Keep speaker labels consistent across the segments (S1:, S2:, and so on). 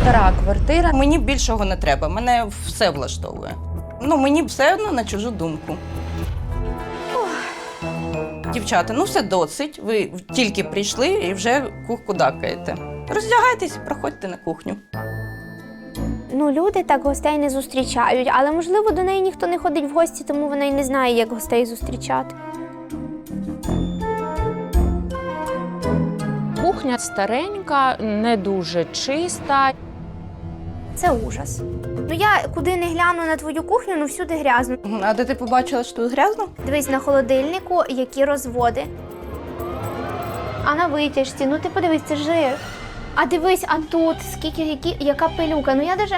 S1: стара квартира. Мені більшого не треба, мене все влаштовує. Мені все одно на чужу думку. Дівчата, все досить, ви тільки прийшли і вже кудакаєте. Роздягайтесь, проходьте на кухню.
S2: Люди так гостей не зустрічають, але, можливо, до неї ніхто не ходить в гості, тому вона й не знає, як гостей зустрічати.
S3: Кухня старенька, не дуже чиста.
S2: Це ужас. Я куди не гляну на твою кухню, всюди грязно.
S1: А де ти побачила, що тут грязно?
S2: Дивись на холодильнику, які розводи. А на витяжці, ти подивись, це жир. А дивись, а тут, яка пилюка. Я даже...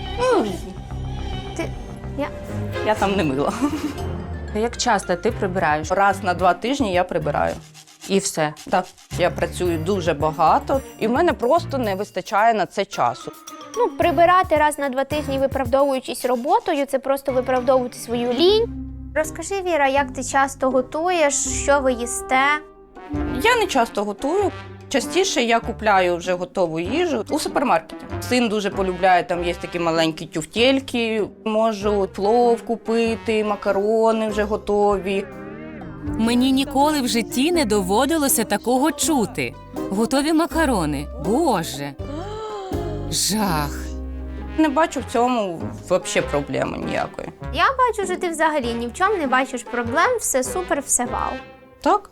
S1: Я там не мила.
S3: Як часто ти прибираєш?
S1: Раз на 2 тижні я прибираю.
S3: І все.
S1: Так, я працюю дуже багато, і в мене просто не вистачає на це часу.
S2: Прибирати раз на 2 тижні, виправдовуючись роботою, це просто виправдовувати свою лінь. Розкажи, Віра, як ти часто готуєш, що ви їсте?
S1: Я не часто готую. Частіше я купляю вже готову їжу у супермаркеті. Син дуже полюбляє, там є такі маленькі тюфтельки. Можу плов купити, макарони вже готові.
S4: Мені ніколи в житті не доводилося такого чути. Готові макарони. Боже! Жах!
S1: Не бачу в цьому взагалі проблеми ніякої.
S2: Я бачу, що ти взагалі ні в чому не бачиш проблем, все супер, все вау.
S1: Так?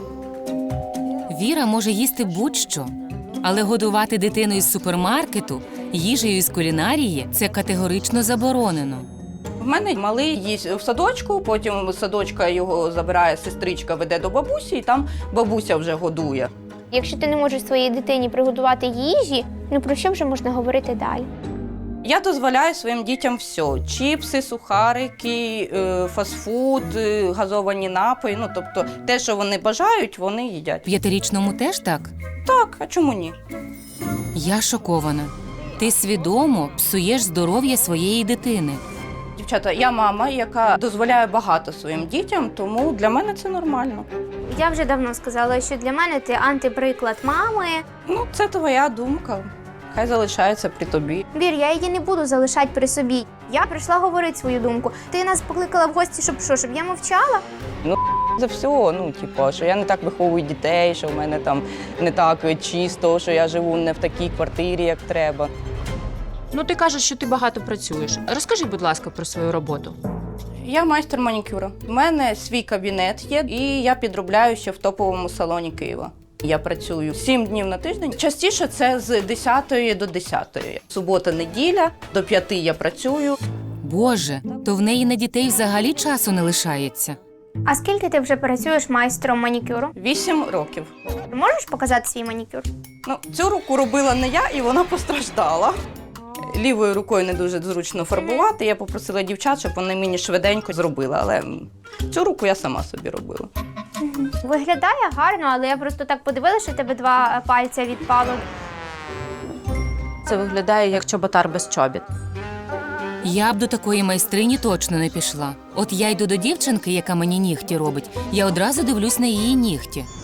S4: Віра може їсти будь-що, але годувати дитину із супермаркету, їжею із кулінарії – це категорично заборонено.
S1: В мене малий їсть в садочку, потім з садочка його забирає сестричка, веде до бабусі, і там бабуся вже годує.
S2: Якщо ти не можеш своїй дитині приготувати їжі, про що вже можна говорити далі?
S1: Я дозволяю своїм дітям все. Чіпси, сухарики, фастфуд, газовані напої. Тобто те, що вони бажають, вони їдять.
S4: 5-річному теж так?
S1: Так, а чому ні?
S4: Я шокована. Ти свідомо псуєш здоров'я своєї дитини.
S1: Дівчата, я мама, яка дозволяє багато своїм дітям, тому для мене це нормально.
S2: Я вже давно сказала, що для мене ти антиприклад мами.
S1: Це твоя думка. Хай залишається при тобі.
S2: Вір, я її не буду залишати при собі. Я прийшла говорити свою думку. Ти нас покликала в гості, щоб я мовчала?
S1: За все, що я не так виховую дітей, що в мене там не так чисто, що я живу не в такій квартирі, як треба.
S3: Ти кажеш, що ти багато працюєш. Розкажи, будь ласка, про свою роботу.
S1: Я майстер манікюру. У мене свій кабінет є, і я підробляю ще в топовому салоні Києва. Я працюю 7 днів на тиждень. Частіше це з 10 до 10. Субота-неділя, до 5 я працюю.
S4: Боже, то в неї на дітей взагалі часу не лишається.
S2: А скільки ти вже працюєш майстром манікюру?
S1: 8 років.
S2: Можеш показати свій манікюр?
S1: Цю руку робила не я, і вона постраждала. Лівою рукою не дуже зручно фарбувати. Я попросила дівчат, щоб вони мені швиденько зробили, але цю руку я сама собі робила.
S2: Виглядає гарно, але я просто так подивилася, що в тебе 2 пальця відпало.
S3: Це виглядає як чоботар без чобіт.
S4: Я б до такої майстрині точно не пішла. От я йду до дівчинки, яка мені нігті робить, я одразу дивлюсь на її нігті.